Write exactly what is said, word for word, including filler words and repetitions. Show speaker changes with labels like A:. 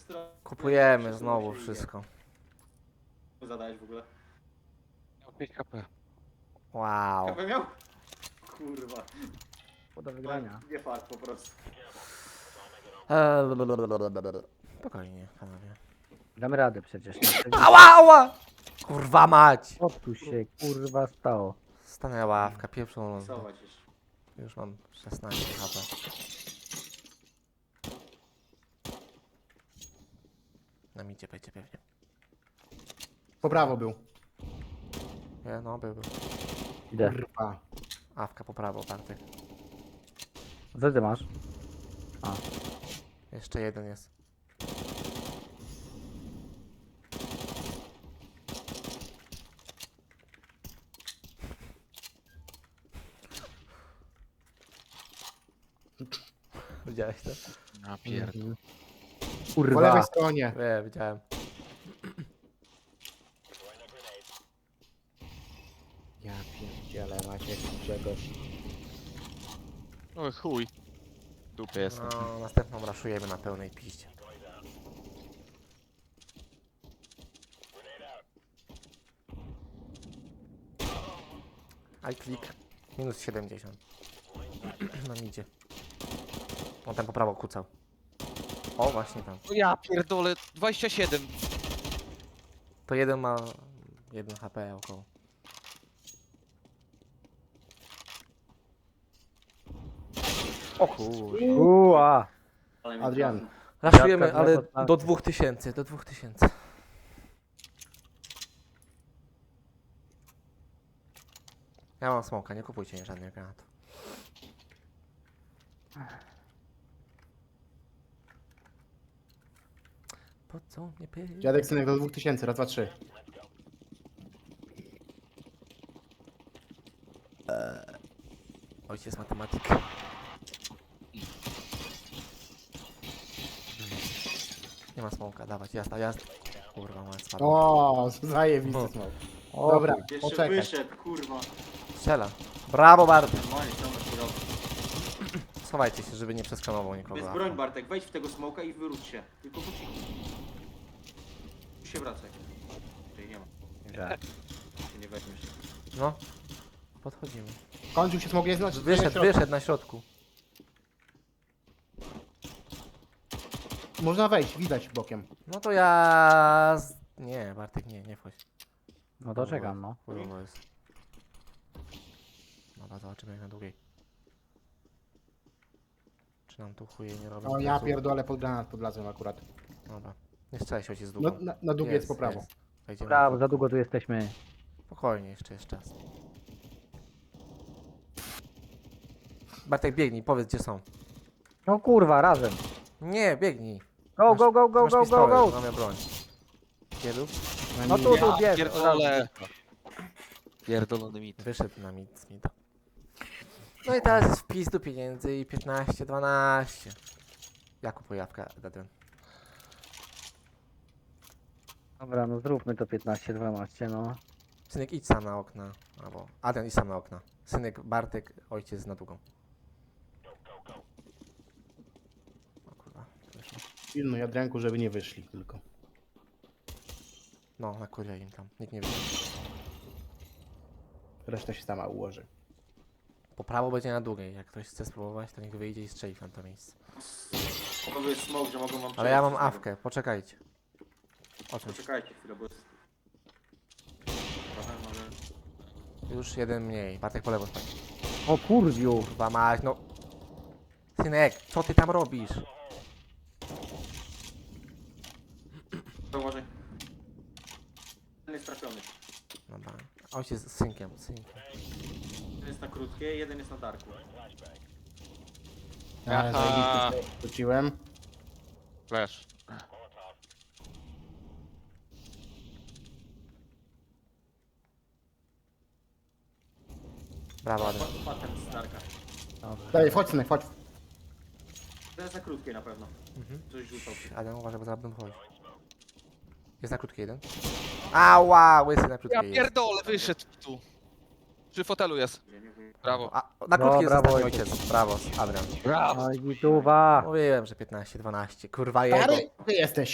A: strony.
B: Kupujemy znowu wszystko.
A: Co zadałeś w ogóle?
C: Miał pięć H P.
B: Wow.
A: K P miał? Kurwa.
D: Do wygrania.
A: Nie fart po prostu.
B: Eee, blablabla. Spokojnie, panowie.
D: Damy radę przecież.
B: Ała, ała! Kurwa mać!
D: Co tu się kurwa stało?
B: Stanęła ławka, pieprzoną.
A: Rysować jeszcze.
B: Już mam szesnaście H P. Na micie będzie pewnie.
E: Po prawo był.
B: Nie, no był, był.
D: Idę.
E: Kurwa.
B: Awka po prawo, Bartek.
D: Co ty masz?
B: Jeszcze jeden jest. Widziałeś to?
C: A pierd...
E: Mhm. Po
D: Kurwa.
E: lewej stronie.
B: Nie, widziałem.
E: Ja pierdzielę, macie czegoś.
C: O chuj. Dupy jestem.
B: No, następną raszujemy na pełnej piździe. I klik. Minus siedemdziesiąt. Na midzie. On tam po prawo kucał. O, właśnie tam.
C: O ja pierdolę, dwadzieścia siedem.
B: To jeden ma... jeden H P około. O kurde.
D: Uła.
A: Ale mi
E: Adrian.
A: trafił.
B: Raszujemy,
D: Jaka
B: ale
D: wlewo,
B: do
D: tak.
B: dwóch tysięcy, do dwóch tysięcy. Ja mam smoka, nie kupujcie mi żadnych granatów. Po co mnie pytasz?
E: Dziadek synek do dwóch tysięcy, raz, dwa, trzy.
B: Ojciec matematyk. Nie ma smoka, dawać, jazda, jazda. Kurwa, ma spadł.
E: O, zajebisty
B: O.
E: smok.
D: O,
E: Dobra,
A: Jeszcze
E: poczekaj.
A: wyszedł, kurwa.
B: Strzela. Brawo, Bartek.
A: Normalnie, co on tu robi?
B: Schowajcie się, żeby nie przeskanował nikogo.
A: Bez broń, Bartek, wejdź w tego smoka i wywróć się. Tylko po cichu. Tu się wracaj. Tutaj nie ma.
D: Tak.
A: Ty nie weźmiesz.
B: No. Podchodzimy.
E: Kończył się smok, jest na
B: Wyszedł, wyszedł na środku.
E: Można wejść, widać bokiem.
B: No to ja... z- Nie, Bartek, nie, nie wchodź.
D: No to czekam, no.
B: Chujowo jest. Dobra, zobaczymy jak na długiej. Czy nam tu chuje nie robią?
E: O, ja
B: pleców?
E: pierdolę, pod granat podlazłem akurat.
B: Dobra. Nie strzelaj się ojciec z
E: No,
B: długą.
E: na, na długie jest po prawo.
B: Wejdziemy
D: Brawo,
B: na
D: za długo tu jesteśmy.
B: Spokojnie, jeszcze jest czas. Bartek, biegnij, powiedz gdzie są.
D: No kurwa, razem.
B: Nie, biegnij.
D: Go, go, go, go,
B: Masz
D: go, go,
B: pistolet,
D: go.
B: Mamy broń. Gdzie był?
E: Na
D: No
E: nim-
D: tu, tu,
C: Ja
D: bierz.
C: pierdolę. Pierdolony mit.
B: Wyszedł na mit z mida. No i teraz jest wpis do pieniędzy i piętnaście, dwanaście. Ja kupuję jabłka, Adrian.
D: Dobra, no zróbmy to piętnaście dwanaście, no.
B: Synek, idź sam na okna. Albo Adrian, idź sam na okna. Synek, Bartek, ojciec na długą. O kurwa. wyszło.
E: Pilnuj Adrianku, żeby nie wyszli tylko.
B: No, na kurwa im tam. Nikt nie wie.
E: Reszta się sama ułoży.
B: Po prawo będzie na długiej. Jak ktoś chce spróbować, to niech wyjdzie i strzeli w tamto miejsce.
A: To jest smok, że mogą wam
B: Ale ja mam
A: przejść.
B: awkę, poczekajcie. O czymś.
A: Poczekajcie chwilę, bo jest... Trochę może...
B: Już jeden mniej. Bartek po lewo stoi.
D: O kurwiu.
B: Kurwa mać, no. Synek, co ty tam robisz?
A: To może... Jeden jest trafiony.
B: Dobra. Ojciec z synkiem, z synkiem.
A: Jeden jest na krótkie, jeden jest na darku.
E: Ale
C: Aha.
E: zajebiście wróciłem.
C: Flash.
B: Brawo, Adrian.
A: Patent z darka.
D: Dobra.
E: Daj, wchodź synek, wchodź.
A: Ten jest na krótkie na pewno.
B: Mhm.
A: Coś rzucał.
B: Adrian, uważaj, bo zaraz będą wchodzić. Jest na krótki jeden. Ała, łysy na
C: Ja
B: krótkiej jest.
C: pierdolę, wyszedł tu. Przy fotelu jest.
A: Ja nie wiem.
C: Brawo.
B: A, na krótkiej jest
D: Dobra,
B: ostatni
D: ojciec.
B: ojciec. Brawo, Adrian.
C: Brawo.
D: No i gituwa.
B: Mówiłem, że piętnaście, dwanaście. Kurwa jego.
E: Stary, ty jesteś.